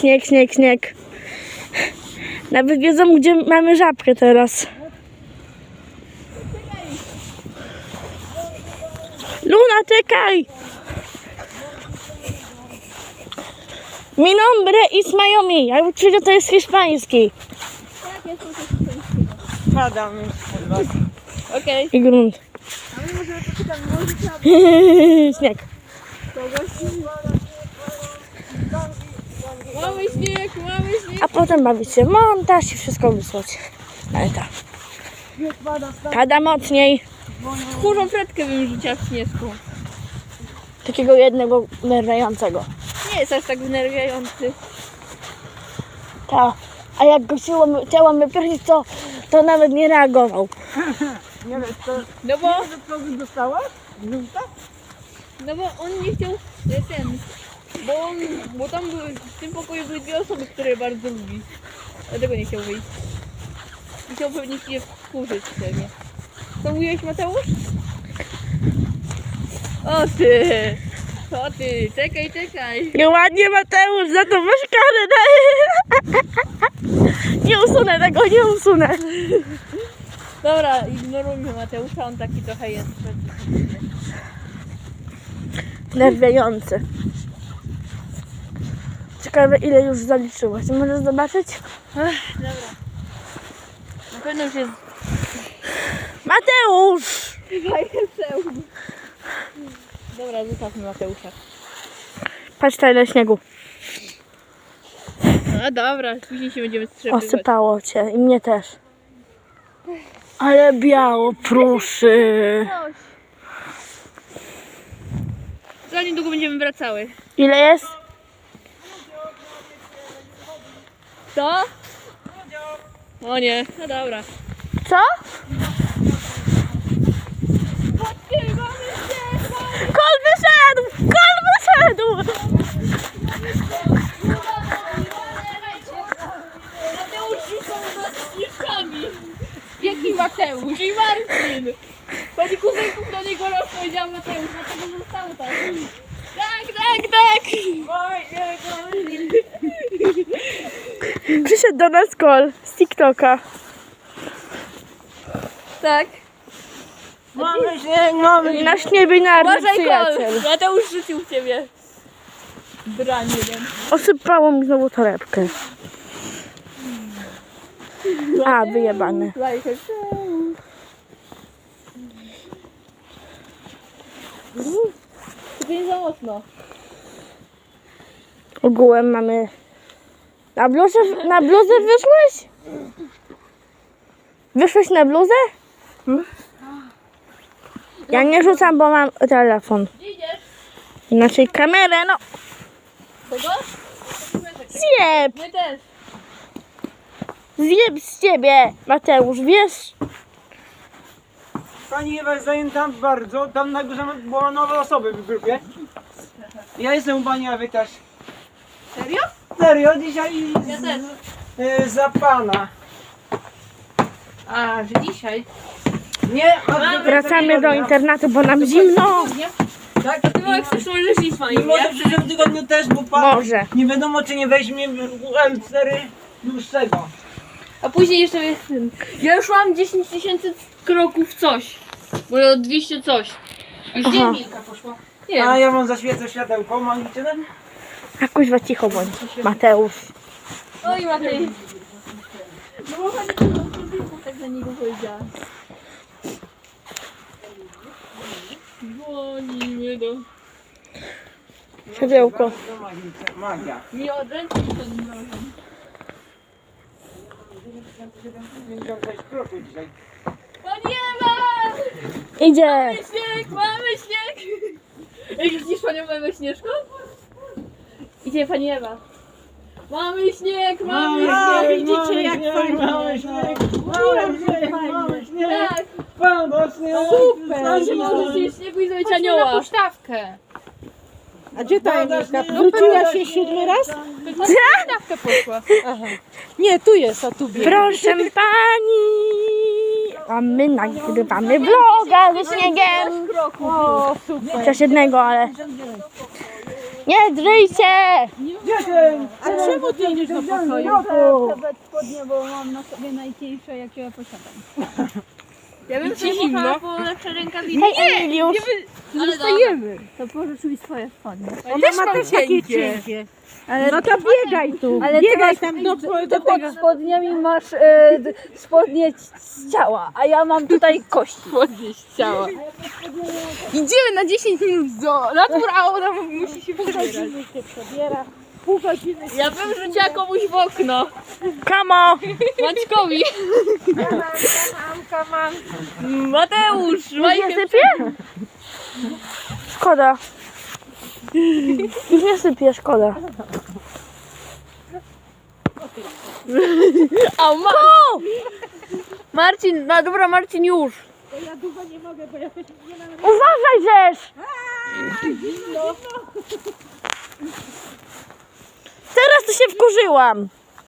Śnieg, śnieg, śnieg. Nawet wiedzą, gdzie mamy żabkę teraz. Luna, czekaj! Mi nombre is Miami. Ja uczę, że to jest hiszpański. Padam już od was. Okej. I grunt. A my możemy poczytać, może trzeba Śnieg. kogoś. Mamy śnieg, mamy śnieg. A potem bawić się w montaż i wszystko wysłać. Ale tak. Pada mocniej. Tchórzą fretkę bym rzuciła w śnieżku. Takiego jednego nerwiającego. Nie jest aż tak wnerwiający. Tak. A jak go chciałam wyprosić, to nawet nie reagował. Nie wiesz, to... No bo, Co ty dostałaś? Żółta? no bo on nie chciał bo tam były, w tym pokoju były dwie osoby, które bardzo lubi. Dlatego nie chciał wyjść. I chciał pewnie się wkurzyć pewnie. Co mówiłeś, Mateusz? O ty! O ty! Czekaj, czekaj! Nieładnie, Mateusz, za to masz karę. Nie usunę tego, nie usunę. Dobra, ignorujmy Mateusza, on taki trochę jest. Nerwiający. Ciekawe, ile już zaliczyłaś. Możesz zobaczyć? Dobra. Na pewno już jest Mateusz! zajęceum. Dobra, zostawmy Mateusza. Patrz, tyle śniegu. A dobra, później się będziemy strzepywać. Osypało cię i mnie też. Ale biało, proszę. Za niedługo będziemy wracały. Ile jest? Co? O nie, no dobra. Co? Chodźcie, mamy się! Kol wyszedł! Kol wyszedł! Mateusz rzucał nas śnieżkami. Jaki Mateusz? I Marcin! Pani kuzynków do niego raz powiedziała Mateusz, dlatego zostało tak. Tak, tak, tak! Przyszedł do nas Kol z TikToka. Tak. Mamy śnieg, mamy śnieg. Nasz niebinarny Uważaj, przyjaciel. Kol! Mateusz rzucił w ciebie. Drań jeden. Osypało mi znowu torebkę. A, wyjebane. To nie za mocno. Ogółem mamy... Na bluzę wyszłeś? Wyszłeś na bluzę? Ja nie rzucam, bo mam telefon. Gdzie idziesz? Inaczej kamerę, no. Kogo? Zjeb! My też. Zjeb z ciebie, Mateusz, wiesz? Pani Ewa jest zajęta bardzo. Tam na górze były nowe osoby w grupie. Ja jestem u pani Ewy też. Serio? Serio, dzisiaj Ja też. za pana. A, że dzisiaj? Nie, Wracamy do internatu, bo nam zimno. Tak? Ty jak chcesz, to możesz iść, pani. I może w przyszłym tygodniu też, bo pan Może. nie wiadomo czy nie weźmie UM4 dłuższego. A później jeszcze jest ten. Ja już mam 10 000 kroków coś. Bo 200 coś. Już Aha. nie Milka poszła. Nie A wiem. ja wam zaświecę światełko, mam liczynę? A kuźwa, cicho bądź, Mateusz. Oj, Matej. No bo pani to tak na niego powiedziała. Dzwoni mnie do... Siodełko. To magia. Nie odręczyć to nie może. 56 kroków dzisiaj. Pani Ewa! Idzie. Mamy śnieg! Mamy śnieg! Ej, widzisz panią Ewę Śnieżką? Idzie pani Ewa. Mamy śnieg! Mamy śnieg! widzicie, jak fajnie. Mamy śnieg, mamy śnieg, mamy śnieg. Tak! Pomocny. Super! Że możecie śniegu i zrobić anioła. Pusztawkę. A gdzie ta Emilka? Wróciła się 7 raz? Pusztawkę poszła. Nie, tu jest, a tu biegnie. Proszę pani. A my nagrywamy vloga ze śniegiem. O, super. Chociaż jednego, ale... Nie drzyj się! 10. A czemu spodnie niż do pokoju. Nawet spodnie, bo mam na sobie najcieńsze, jakie ja posiadam. Ja bym ci zimno? po lepsze rękawice. Hej, Emiliusz. Ale Stajemy. to pożycz mi swoje spodnie. Ona ma też takie cienkie. No to biegaj tu. Ale Biegaj ty tam do Ty tego. pod spodniami masz spodnie z ciała, a ja mam tutaj kości. Podnieść ciała. Idziemy na 10 minut do natur, a ona musi się przebierać. się przebiera. Pół godziny. Ja bym rzuciła komuś w okno. Kamo! Maćkowi. Kaman. Mateusz, Już nie sypie? Szkoda. Już nie sypie, szkoda. A Marcin, no dobra Marcin już. Ja długo nie mogę, bo ja nie mam Uważaj, żeż! Teraz to się wkurzyłam.